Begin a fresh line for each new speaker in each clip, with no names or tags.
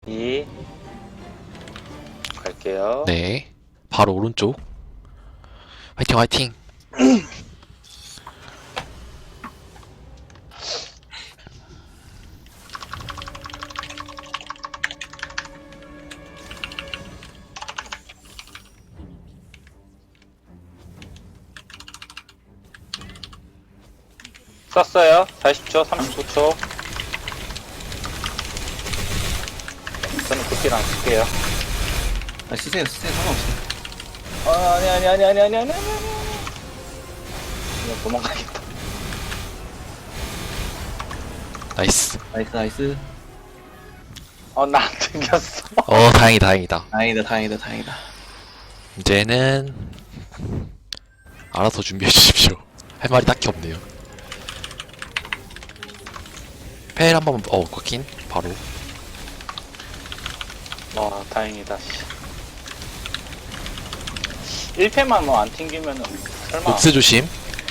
2 갈게요.
네. 바로 오른쪽. 화이팅, 화이팅.
썼어요. 40초, 39초. 저는 쿠키랑 쓸게요.
아, 쓰세요, 상관없어.
아니. 그냥 도망가겠다.
나이스.
나이스.
나 안 튕겼어.
다행이다, 다행이다.
다행이다.
이제는 알아서 준비해 주십시오. 할 말이 딱히 없네요. 페일 한번 꺾인 바로.
와, 다행이다. 1패만 뭐 안 튕기면은 설마.
녹스 조심.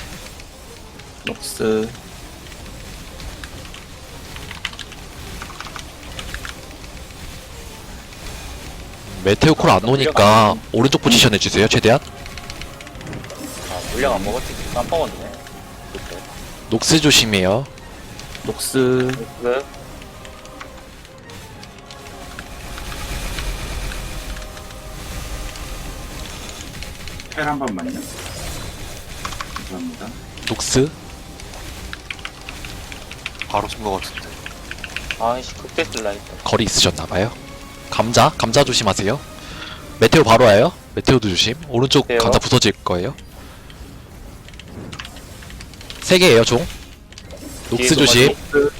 녹스.
메테오 콜 안 오니까 오른쪽 포지션 해주세요, 최대한.
물량 안 먹었지. 깜빡었네. 그때.
녹스 조심해요.
녹스.
그
펠 한 번만요. 감사합니다.
녹스.
바로 쓴 것 같은데.
아이씨, 그때 쓸라 했다.
거리 있으셨나봐요. 감자 조심하세요. 메테오 바로 와요. 메테오도 조심. 오른쪽
메테오.
감자 부서질 거예요. 3개에요, 종. 녹스
뒤에도
조심.
맞고.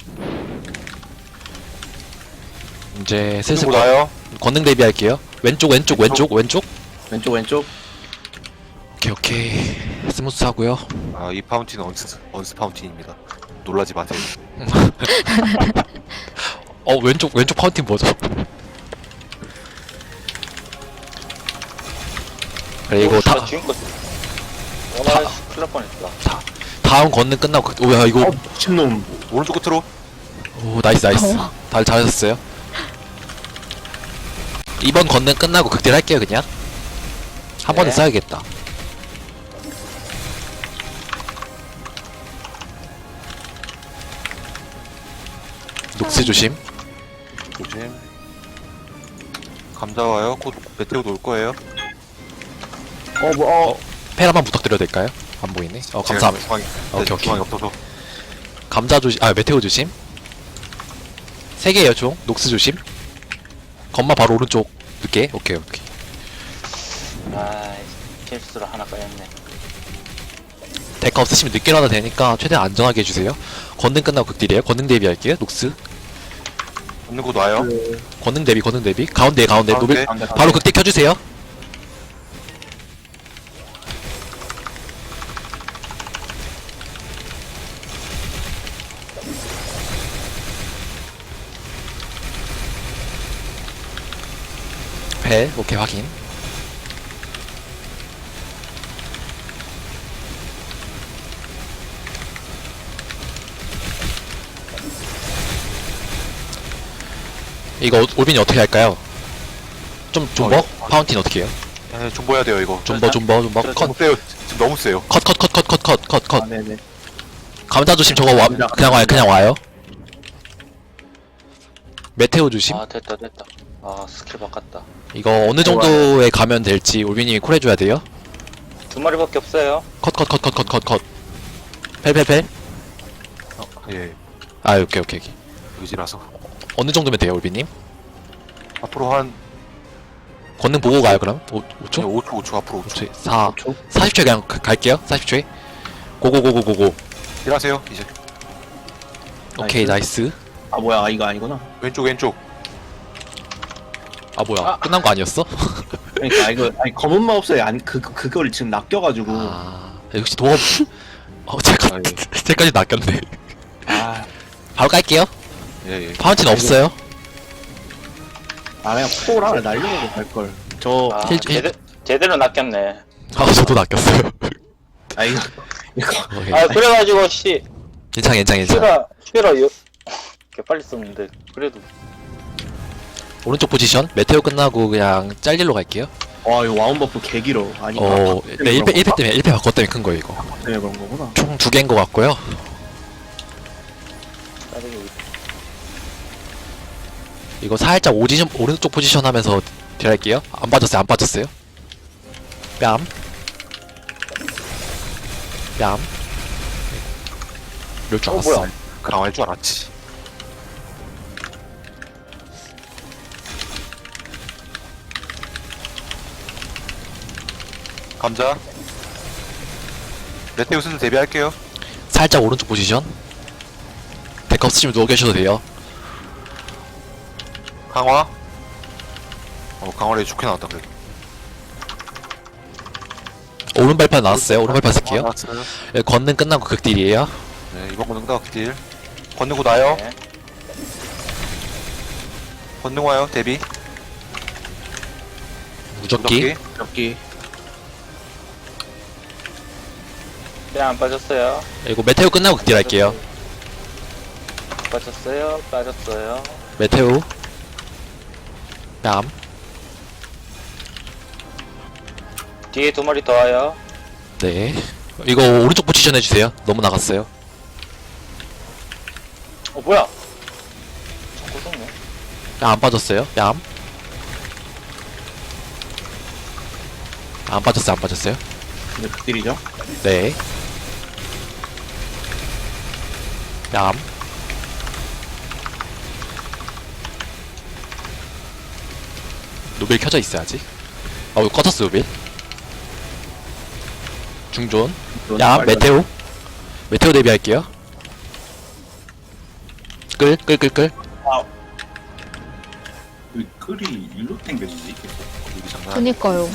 이제 슬슬
나요?
권능 대비할게요. 왼쪽.
왼쪽.
오케이. 스무스하고요.
아, 이 파운틴은 언스 파운틴입니다. 놀라지 마세요.
왼쪽 파운틴 뭐죠? 그리고
지금껏. 씨, 큰일 날 뻔했다.
다음 권능 끝나고 오야 이거
미친놈.
오른쪽 끝으로.
오 나이스. 다들 잘하셨어요. 이번 권능 끝나고 극딜 할게요 그냥. 한 번에
네.
써야겠다. 녹스 조심.
조심. 감자 와요. 곧 메테오도 올 거예요.
펠 한번 부탁드려도 될까요? 안 보이네. 감사합니다.
중앙이,
오케이.
중앙이 없어서.
감자 조심. 메테오 조심. 3개예요 총. 녹스 조심. 건마 바로 오른쪽 늦게. 오케이.
아이씨, 실수로 하나 까였네.
데카 없으시면 늦게 일어나도 되니까 최대한 안전하게 해주세요. 권능 끝나고 극딜이에요. 권능 대비할게요. 녹스.
없는 곳 와요.
권능 대비. 가운데. 노빌.
가운데.
바로 극딜 켜주세요. 펠. 오케이 확인. 이거 올빈이 어떻게 할까요? 좀 존버?
이거-
파운틴 어떻게 해요?
네, 좀 보야 돼요, 이거.
존버 컷.
너무 세요. 지금 너무 세요.
컷.
네네.
감자 조심. 저거
감자.
그냥 와요. 메테오 조심.
됐다. 스킬 바꿨다.
이거 어느 정도에 가면 될지 올빈님이 콜 해줘야 돼요.
2마리밖에 없어요.
컷. 펠.
예,
오케이.
의지라서.
어느 정도면 돼요, 올빈님?
앞으로 한
권능 보고 가요, 그럼? 5초?
5초 앞으로 5초.
5초. 4.
5초.
40초에 그냥 갈게요. 40초에. 고고.
일하세요, 이제.
오케이, 나이스.
뭐야, 이거 아니구나.
왼쪽.
뭐야. 끝난 거 아니었어?
그러니까, 이거, 검은 마법사에 그걸 지금 낚여가지고.
역시 도업. 제가,
아, 예.
제까지 낚였네. 바로 깔게요.
예.
파운틴 없어요.
그냥 포를 하나 날려고 갈걸.
제대로 낚였네.
저도 낚였어요.
이거.
오케이.
그래가지고, 씨.
괜찮아.
슈라, 개 빨리 썼는데, 그래도.
오른쪽 포지션 메테오 끝나고 그냥 짤릴로 갈게요.
와 이거 와운 버프 개 길어. 아니
네 1패 때문에 1패 바꿔 때문에 큰 거예요 이거.
때문에 그런 거구나.
총 2개인 거 같고요.
따르기
이거 살짝 오른쪽 포지션 하면서 딜할게요. 안 빠졌어요 안 빠졌어요. 뺨 뺨. 이럴 줄 알았어.
뭐야?
강화할 줄 알았지. 감자. 메테오 슬슬 데뷔할게요.
살짝 오른쪽 포지션. 데카 없으시면 누워 계셔도 돼요.
강화. 강화를 좋게 나왔다 그래도.
오른 발판 나왔어요. 오른 발판 쓸게요.
나왔어요.
예, 권능 끝나고 극딜이에요.
네, 이번 건능 다 딜. 건너고 나요.
네.
건능 와요. 데뷔.
무적기.
여기
뺨안 빠졌어요.
이거 메테오 끝나고 극딜할게요.
빠졌어요. 빠졌어요.
메테오. 뺨.
뒤에 2마리 더 와요.
네. 이거 오른쪽 포지션 해주세요. 너무 나갔어요.
뭐야? 자꾸 쏘네.
안 빠졌어요. 뺨. 안 빠졌어요. 안 빠졌어요.
근데 극딜이죠.
네. 뺨. 노벨 켜져 있어야지. 이거 꺼졌어 노벨. 중존. 야 메테오. 메테오 데뷔할게요. 끌.
이 끌이 일로 땡겼지 계속.
여기 장난.
그니까요.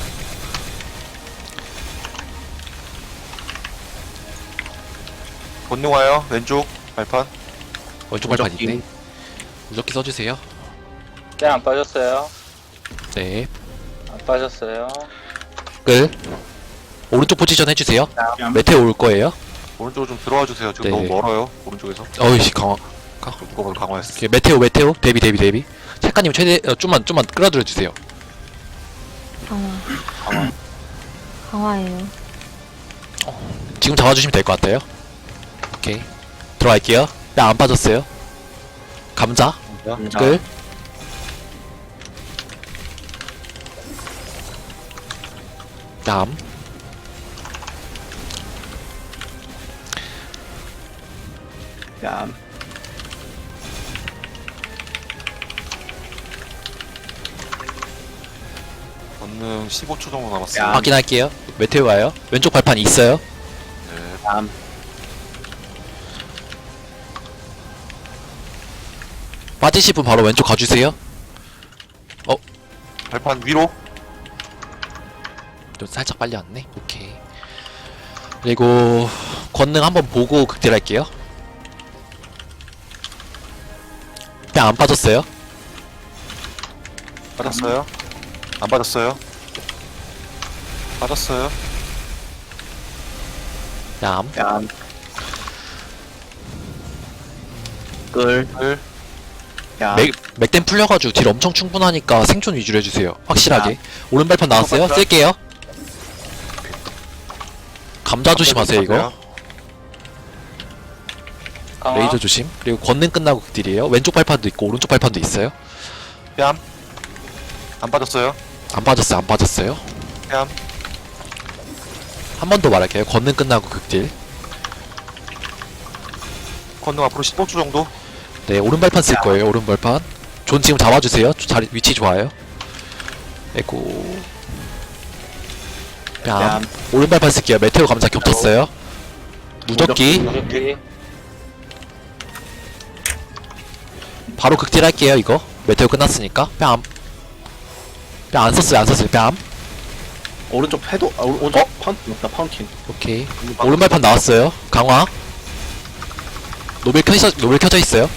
건능 와요. 왼쪽 발판.
왼쪽 발판
무적기.
있네. 무적기 써주세요.
뺨안 빠졌어요.
네.
안 빠졌어요.
끌. 오른쪽 포지션 해주세요.
뺨.
메테오 올 거예요.
오른쪽으로 좀 들어와 주세요. 지금
네.
너무 멀어요. 오른쪽에서.
어이씨 강화.
그거 강화했어.
오케이, 메테오 데뷔. 책가님 최대 좀만 끌어들여 주세요.
강화. 강화예요.
지금 잡아주시면 될 것 같아요. 오케이 들어갈게요. 야 안 빠졌어요. 감자 끌. 얌.
야
건능 15초 정도 남았어요.
야.
확인할게요. 메테오 와요. 왼쪽 발판 있어요.
네.
얌.
빠지실 분 바로 왼쪽 가주세요.
발판 위로.
좀 살짝 빨리 왔네. 오케이. 그리고 권능 한번 보고 극딜할게요. 그냥 안 빠졌어요.
빠졌어요. 안 빠졌어요. 빠졌어요.
얌.
얌. 끌.
끌.
얌.
맥댐 풀려가지고 딜 엄청 충분하니까 생존 위주로 해주세요. 확실하게. 오른 발판 나왔어요.
발판.
쓸게요. 감자 조심하세요 이거.
강화.
레이저 조심. 그리고 권능 끝나고 극딜이에요. 왼쪽 발판도 있고 오른쪽 발판도 있어요.
뺨. 안 빠졌어요.
안 빠졌어요.
뺨.
한 번 더 말할게요. 권능 끝나고 극딜.
건능 앞으로 15초 정도.
네, 오른 발판 쓸 거예요. 오른 발판. 존 지금 잡아주세요. 자리 위치 좋아요. 에고. 뺨.
얌.
오른 발판 쓸게요. 메테오 감자 겹쳤어요. 무적기.
무적기.
바로 극딜 할게요. 이거. 메테오 끝났으니까. 뺨. 뺨 안 썼어요. 뺨.
오른쪽 패도 오른쪽 파운틴 맞다 파운틴.
오케이. 오른 발판 나왔어요. 강화. 노벨 켜져 있어요.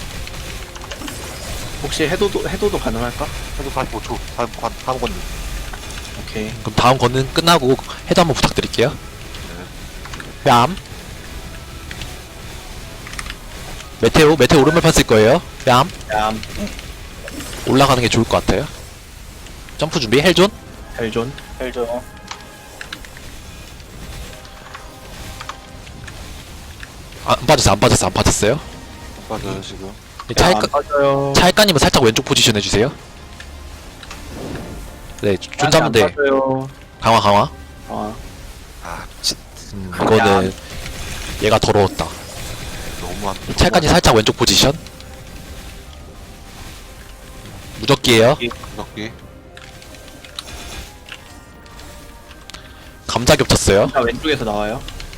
혹시 해도도 가능할까?
해도 45초. 다음 건능.
오케이.
그럼 다음 권능 끝나고 해도 한번 부탁드릴게요. 뺨. 메테오 오른 발판 쓸 거예요. 뺨.
얌.
올라가는 게 좋을 것 같아요. 점프 준비. 헬존.
헬존.
헬죠.
안 빠졌어요. 안 빠졌어요. 안 빠졌어요.
맞아요 지금.
차일까
안 빠져요.
차일까님은 살짝 왼쪽 포지션 해주세요. 네, 존 잡으면 돼.
빠져요.
강화 강화.
아,
이거는 얘가 더러웠다.
너무 안.
찰까지 살짝 왼쪽 포지션. 무적기예요.
무섭게.
감자 겹쳤어요.
자, 왼쪽에서 나와요.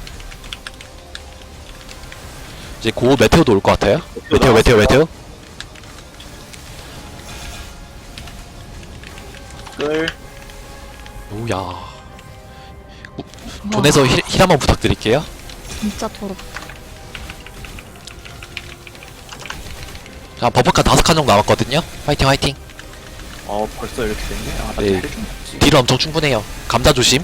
이제 고 메테오도 올 것 같아요. 메테오 메테오 메테오.
끌.
오야. 존에서 힐 한번 부탁드릴게요.
진짜 더럽다.
자, 버퍼카 5칸 정도 남았거든요. 화이팅 화이팅.
벌써 이렇게 됐네. 아, 나
네.
헬존 없지.
딜은 엄청 충분해요. 감자 조심.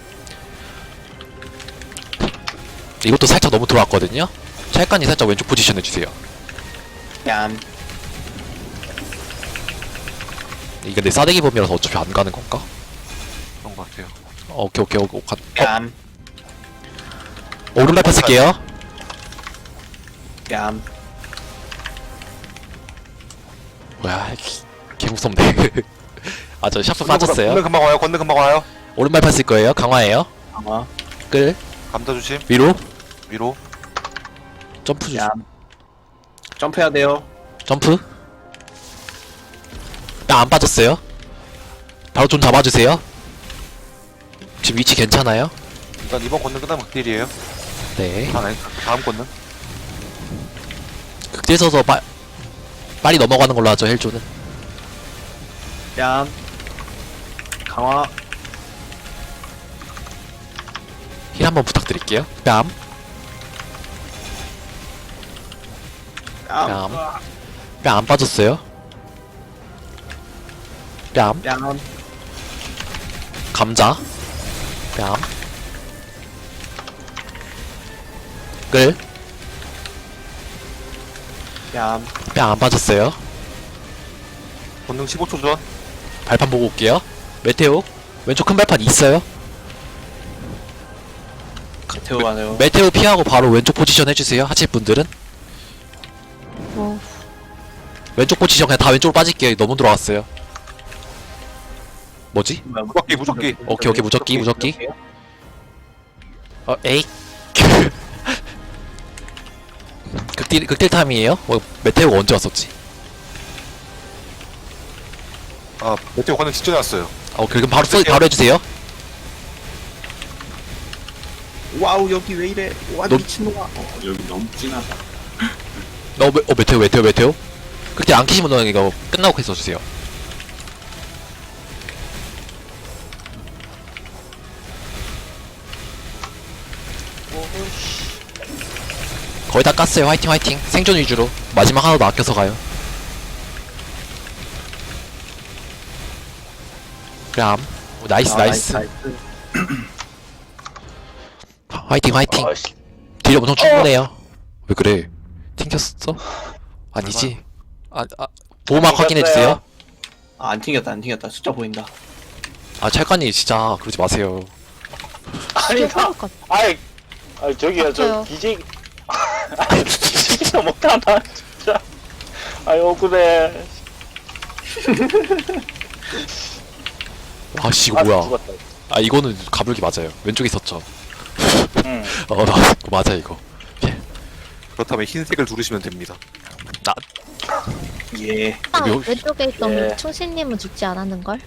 이것도 살짝 너무 들어왔거든요. 찰깐이 살짝 왼쪽 포지션 해주세요.
얌.
이게 근데 싸대기 범위라서 어차피 안 가는 건가?
그런 것 같아요.
오케이 오케이 오케이.
얌.
오른발 폈을게요.
얌.
뭐야, 개 무섭네. 아, 저 샤프 빠졌어요.
건능 금방 와요. 건능 금방 와요.
오른발 폈을 거예요. 강화예요.
강화.
끌
감자 조심.
위로
위로.
점프 조심.
얌. 점프해야 돼요.
점프. 나 안 빠졌어요. 바로 좀 잡아주세요. 지금 위치 괜찮아요?
일단 이번 건능 끝나면 극딜이에요.
네.
아니 다음 건능.
극딜 서서 빨리 넘어가는 걸로 하죠. 헬조는.
얌. 강화.
힐 한번 부탁드릴게요. 뺨.
얌.
뺨 안 빠졌어요. 뺨.
얌.
감자. 뺨. 끌.
얌.
뺨 안 빠졌어요.
건능 15초 전.
발판 보고 올게요. 메테오. 왼쪽 큰 발판 있어요.
메테오 가네요.
메테오 피하고 바로 왼쪽 포지션 해주세요. 하실 분들은.
뭐,
왼쪽 포지션 그냥 다 왼쪽으로 빠질게요. 너무 들어갔어요. 뭐지?
무적기 무적기.
오케이 오케이 무적기 무적기. 에이. 극딜 타임이에요? 메테오가 언제 왔었지?
아 메테오 건능 직전에 왔어요.
그럼 바로 해주세요.
와우, 여기 왜 이래. 와,
너-
미친놈아.
여기 너무 진하다.
메테오. 극딜 안 키시면 너 이거 끝나고 해서 주세요. 거의 다 깠어요. 화이팅 화이팅. 생존 위주로. 마지막 하나도 아껴서 가요. 그럼 나이스 나이스. 화이팅 화이팅.
아이씨.
딜이 엄청 충분해요. 왜 그래? 튕겼어? 아니지. 보호막 확인해주세요.
아, 안 튕겼다, 안 튕겼다. 숫자 보인다.
찰관이 진짜 그러지 마세요.
아니, 나, 아이, 저기요, 저,
맞아요.
기지, 아니, 기지가 못하나, 진짜. 아이, 억울해.
아씨 이거
아,
뭐야.
죽었다.
이거는 가불기 맞아요. 왼쪽에 있었죠.
응.
맞아 이거.
그렇다면 흰색을 누르시면 됩니다.
예.
왼쪽에 있던
예.
충신님은 죽지 않았는걸?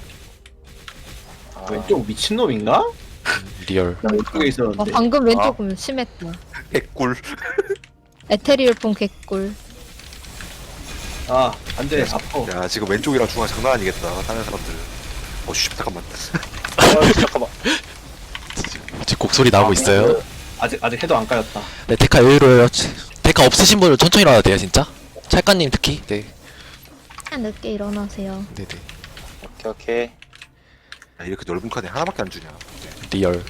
아,
왼쪽 미친놈인가?
리얼.
나 왼쪽에 있었는데.
방금 왼쪽은 심했다.
개꿀.
에테리얼폰 개꿀.
아, 안 돼. 아파.
야 지금 왼쪽이랑 중앙 장난 아니겠다. 다른 사람들. 씨 잠깐만.
잠깐만.
지금 곡소리 나오고 있어요.
아직 해도 안 까였다.
네, 데카 여유로워요. 데카 없으신 분은 천천히 일어나야 돼요, 진짜. 찰까님 특히. 네.
그냥 늦게 일어나세요.
네네.
오케이.
야, 이렇게 넓은 칸에 하나밖에 안 주냐.
리얼.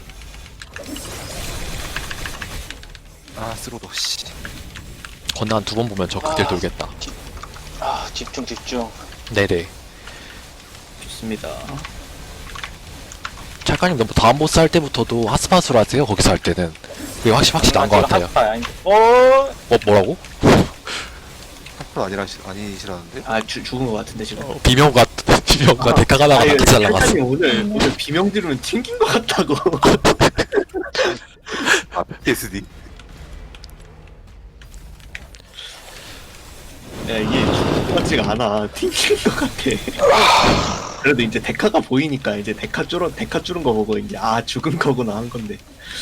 아 쓰러도 씨.
건너 한 2번 보면 저 극딜 돌겠다.
집중.
네네.
좋습니다.
찰까님 너무 다음 보스 할 때부터도 핫스팟으로 하세요. 거기서 할 때는 그게 확실히 나은 것 같아요. 뭐라고?
핫플 아니시라는데?
아 죽은 것 같은데 지금.
비명과 데카가 나가
아니,
같이 날라갔어.
탈탄이 오늘 비명 지르면 튕긴 것 같다고.
아 PTSD.
야 이게 죽은 것 같지가 않아. 튕긴 것 같아. 그래도 이제 데카가 보이니까 이제 데카 줄은 거 보고 이제 아 죽은 거구나 한 건데.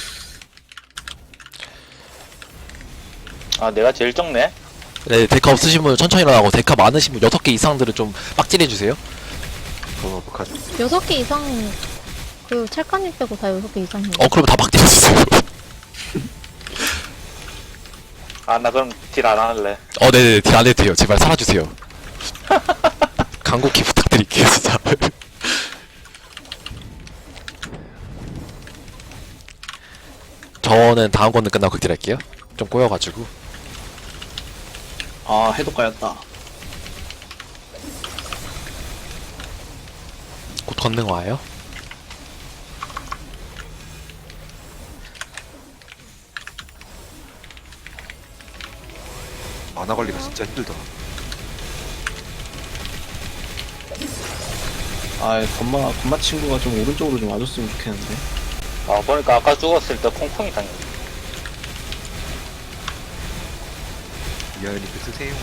아 내가 제일 적네.
네, 데카 없으신 분은 천천히 일어나고 데카 많으신 분 6개 이상들은 좀 빡질해주세요.
그건 어떡하죠?
6개 이상, 그 찰까님 빼고 다 6개 이상이에요.
그러면 다 빡질해주세요.
아 나 그럼 딜 안 할래.
네네, 딜 안 해도 돼요. 제발 살아주세요. 간곡히 부탁드릴게요, 진짜. 저는 다음 건는 끝나고 극딜 할게요. 좀 꼬여가지고.
아 해독가였다.
곧 건능 와요.
만화 관리가 진짜 힘들다.
아 건마 친구가 좀 오른쪽으로 좀 와줬으면 좋겠는데.
아 보니까 아까 죽었을 때 콩콩이 당했네.
미아이니크 쓰세요.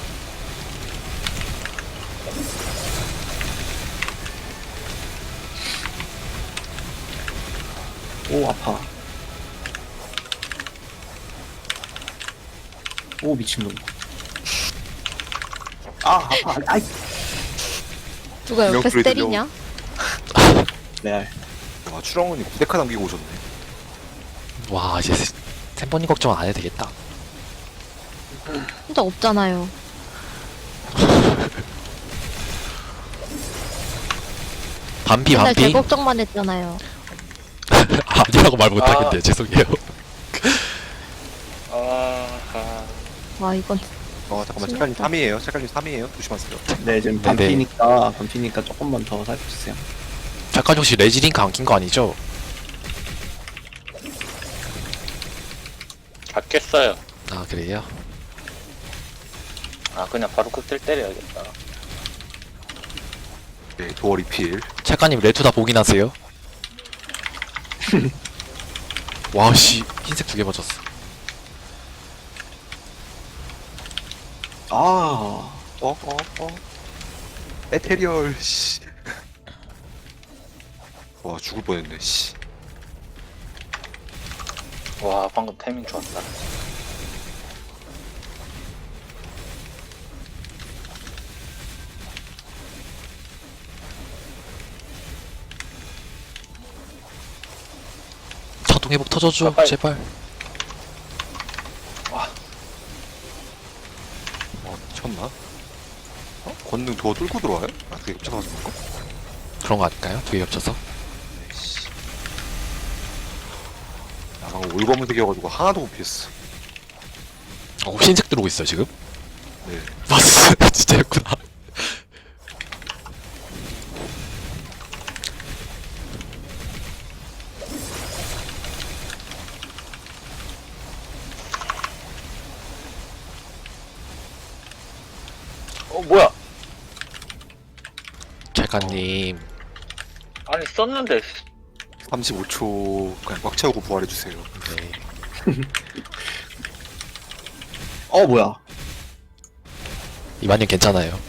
오 아파. 오 미친놈. 아 아파. 아이
누가 옆에서
명불이 들려.
때리냐?
레알.
와 추렁은이 9데카 남기고 오셨네.
와, 이제 샘버님 걱정은 안 해도 되겠다.
혼자 없잖아요.
반피,
맨날 제
반피.
걱정만 했잖아요.
아니라고 말 못하겠네요. 죄송해요.
와, 이건
잠깐만
심했다.
색깔님 3이에요. 색깔님 3이에요. 조심하세요.
네 지금
네네.
반피니까 조금만 더 살펴주세요.
잠깐 혹시 레지링크 안 낀 거 아니죠?
다 깼어요.
아, 그래요?
아 그냥 바로 극딜 때려야겠다.
네 도어 리필.
찰까님 레투 다 보긴 하세요? 와, 씨. 흰색 2개 맞았어.
아
에테리얼 씨. 와 죽을 뻔했네 씨.
와 방금 타이밍 좋았다.
자동 회복 터져줘,
가까이.
제발.
미쳤나? 권능 도어 뚫고 들어와요? 아 그게 겹쳐가지고 그런가?
그런 거 아닐까요? 2개 겹쳐서?
씨. 나 방금 올검은색이어가지고 하나도 못 피했어.
흰색 들어오고 있어요, 지금?
네.
맞았어. 진짜였구나.
뭐야?
찰까님.
아니 썼는데
35초 그냥 꽉 채우고 부활해주세요.
네.
뭐야.
이만님 괜찮아요.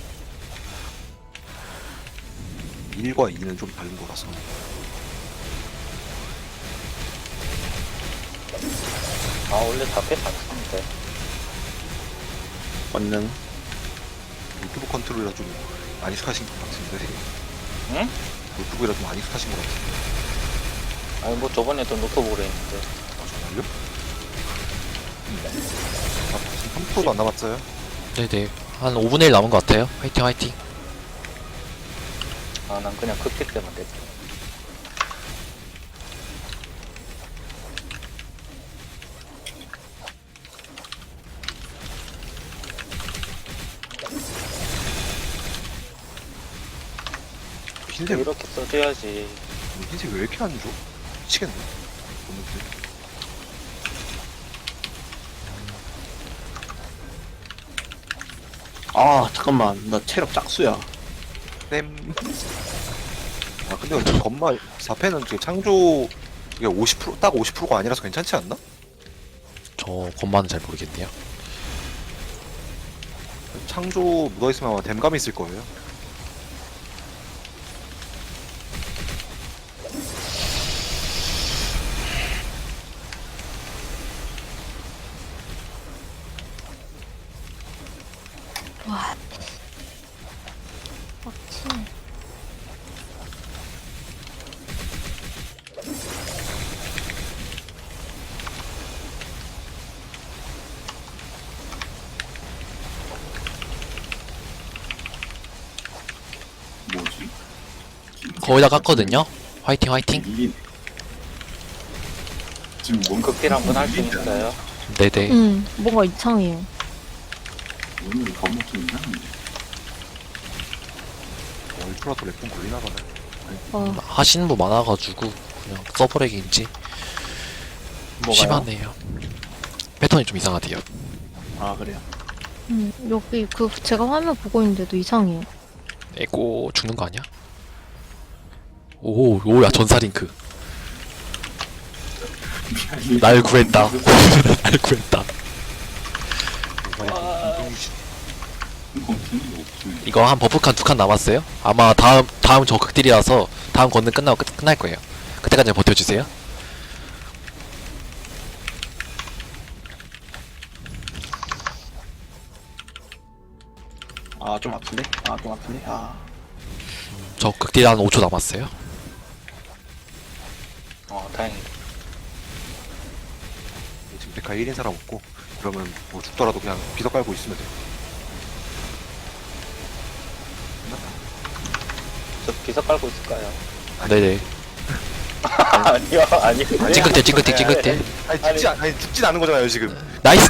1과 2는 좀 다른 거라서.
아 원래 4패 안 쓰는데.
권능.
유튜브 컨트롤이라 좀 많이 익숙하신 것 같은데.
응?
유튜브라 좀 많이 익숙하신 것 같은데.
아니 뭐 저번에도 노트북으로 했는데.
아 정말요? 지금 3%도 안 남았어요.
네네. 한 5분의 1 남은 것 같아요. 화이팅, 화이팅.
아 난 그냥 극딜 때만 됐지.
흰색,
이렇게 써줘야지.
흰색 왜 이렇게 안 줘? 미치겠네. 건능들.
아 잠깐만 나 체력 짝수야.
땜. 아, 근데 저 건마 4패는 지금 창조, 이게 50%, 딱 50%가 아니라서 괜찮지 않나?
저 건마는 잘 모르겠네요.
창조 묻어있으면 아마 댐감이 있을 거예요.
와. 빡치네.
뭐지?
거의 다 깠거든요. 화이팅 화이팅.
이게 지금 뭔가
극딜 한번 할 수
밀리지 않아?
있어요.
네네.
뭔가 이상해요.
오늘 너무 좀 이상한데.
얼프라도 랩분 걸리나 봐요.
하시는 분 많아가지고 그냥 서브렉인지 심하네요. 패턴이 좀 이상하대요.
아 그래요.
여기 그 제가 화면 보고 있는데도 이상해요.
에고 죽는 거 아니야? 오, 오야 전사링크. 날 구했다. 날 구했다. 이거 한 버프칸 2칸 남았어요. 아마 다음 저 극딜이라서 다음 건능 끝나고 끝날 거예요. 그때까지 버텨주세요.
아 좀 아픈데? 아 좀 아픈데? 아
저 극딜 한 5초 남았어요.
다행이다.
지금 데카 1인 사람 없고, 그러면 뭐 죽더라도 그냥 비석 깔고 있으면 돼.
저 비석 깔고 있을까요?
네네.
아니요, 아니요.
찡긋대 찡긋대 찡긋대.
아니, 죽진 않은 거잖아요, 지금.
나이스.